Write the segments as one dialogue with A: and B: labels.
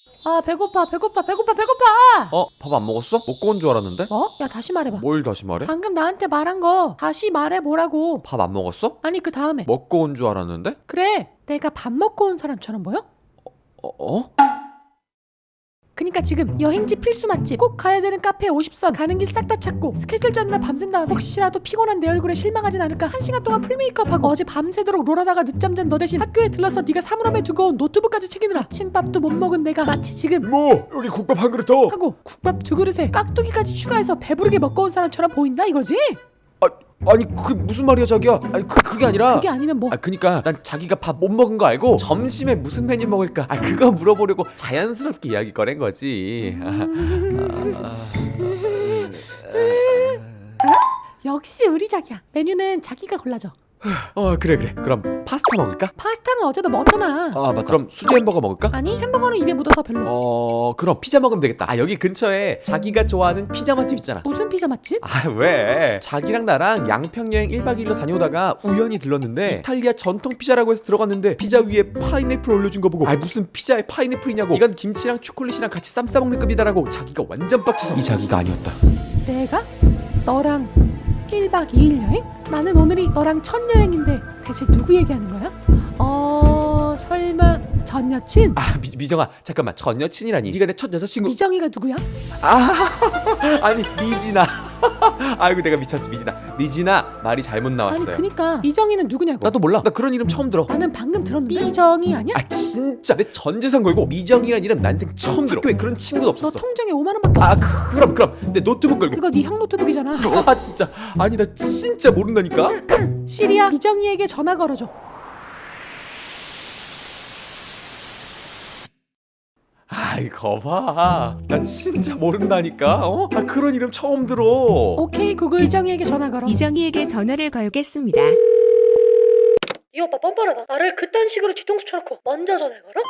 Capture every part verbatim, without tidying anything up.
A: 아 배고파 배고파 배고파 배고파.
B: 어? 밥 안 먹었어? 먹고 온 줄 알았는데?
A: 뭐? 야 다시 말해봐.
B: 뭘 다시 말해?
A: 방금 나한테 말한 거 다시 말해보라고.
B: 밥 안 먹었어?
A: 아니 그 다음에
B: 먹고 온 줄 알았는데?
A: 그래 내가 밥 먹고 온 사람처럼 보여?
B: 어? 어?
A: 그니까 지금 여행지 필수 맛집 꼭 가야 되는 카페 오십 선 가는 길 싹 다 찾고 스케줄 짜느라 밤샌 다음에 혹시라도 피곤한 내 얼굴에 실망하진 않을까 한 시간 동안 풀 메이크업하고 어제 밤새도록 롤하다가 늦잠 잔 너 대신 학교에 들러서 네가 사물함에 두고 온 노트북까지 챙기느라 아침밥도 못 먹은 내가 마치 지금
B: 뭐 여기 국밥 한 그릇 더.
A: 하고 국밥 두 그릇에 깍두기까지 추가해서 배부르게 먹고 온 사람처럼 보인다 이거지?
B: 아, 아니 그게 무슨 말이야 자기야. 아니 그, 그게 아니라
A: 그게 아니면 뭐?
B: 아 그니까 난 자기가 밥 못 먹은 거 알고 점심에 무슨 메뉴 먹을까 아 그거 물어보려고 자연스럽게 이야기 꺼낸 거지.
A: 역시 우리 자기야. 메뉴는 자기가 골라줘.
B: 어 그래 그래 그럼 파스타 먹을까?
A: 파스타는 어제도 먹었잖아.
B: 아 맞다. 그럼 수제 햄버거 먹을까?
A: 아니 햄버거는 입에 묻어서 별로.
B: 어 그럼 피자 먹으면 되겠다. 아 여기 근처에 자기가 좋아하는 피자 맛집 있잖아.
A: 무슨 피자 맛집?
B: 아 왜? 자기랑 나랑 양평여행 일 박 이 일로 다녀오다가 우연히 들렀는데 이탈리아 전통 피자라고 해서 들어갔는데 피자 위에 파인애플 올려준 거 보고 아 무슨 피자에 파인애플이냐고 이건 김치랑 초콜릿이랑 같이 쌈 싸먹는 급이다라고 자기가 완전 빡쳐서 이 자기가 아니었다.
A: 내가? 너랑 일 박 이 일 여행? 나는 오늘이 너랑 첫 여행인데 대체 누구 얘기하는 거야? 어... 설마 전 여친?
B: 아 미, 미정아 잠깐만 전 여친이라니 네가 내 첫 여자친구
A: 미정이가 누구야?
B: 아 아니 미진아 아이고 내가 미쳤지 미진아 미진아 말이 잘못 나왔어요.
A: 아니 그니까 미정이는 누구냐고.
B: 나도 몰라 나 그런 이름 처음 들어.
A: 나는 방금 들었는데 미정이 아니야?
B: 아 진짜 내 전 재산 걸고 미정이란 이름 난생 처음 들어. 학교에 그런 친구도
A: 너
B: 없었어.
A: 통장에 오만 원밖에 없어.
B: 아 그- 그럼 그럼 내 노트북 걸고
A: 그거 네 형 노트북이잖아.
B: 아 진짜 아니 나 진짜 모른다니까.
A: 시리야 미정이에게 전화 걸어줘.
B: 아이 거봐 나 진짜 모른다니까. 어? 아 그런 이름 처음 들어.
A: 오케이 구글 미정이에게 전화 걸어.
C: 이정희에게 전화를 걸겠습니다.
A: 이 오빠 뻔뻔하다. 나를 그딴 식으로 뒤통수 쳐놓고 먼저 전화 걸어?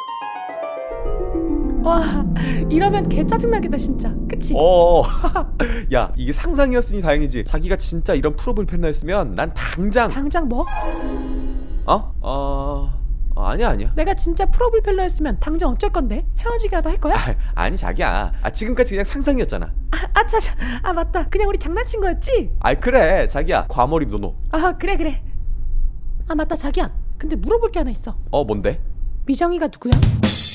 A: 와 이러면 개 짜증나겠다 진짜. 그치?
B: 어, 야 이게 상상이었으니 다행이지. 자기가 진짜 이런 프로필 팬이었으면 난 당장
A: 당장 뭐?
B: 어? 어... 어 아니야 아니야.
A: 내가 진짜 프로불펠러였으면 당장 어쩔 건데? 헤어지기라도 할 거야?
B: 아, 아니 자기야. 아 지금까지 그냥 상상이었잖아.
A: 아, 아차차 아 맞다 그냥 우리 장난친 거였지?
B: 아 그래 자기야 과몰입 노노.
A: 아 그래 그래 아 맞다 자기야 근데 물어볼 게 하나 있어.
B: 어 뭔데?
A: 미정이가 누구야?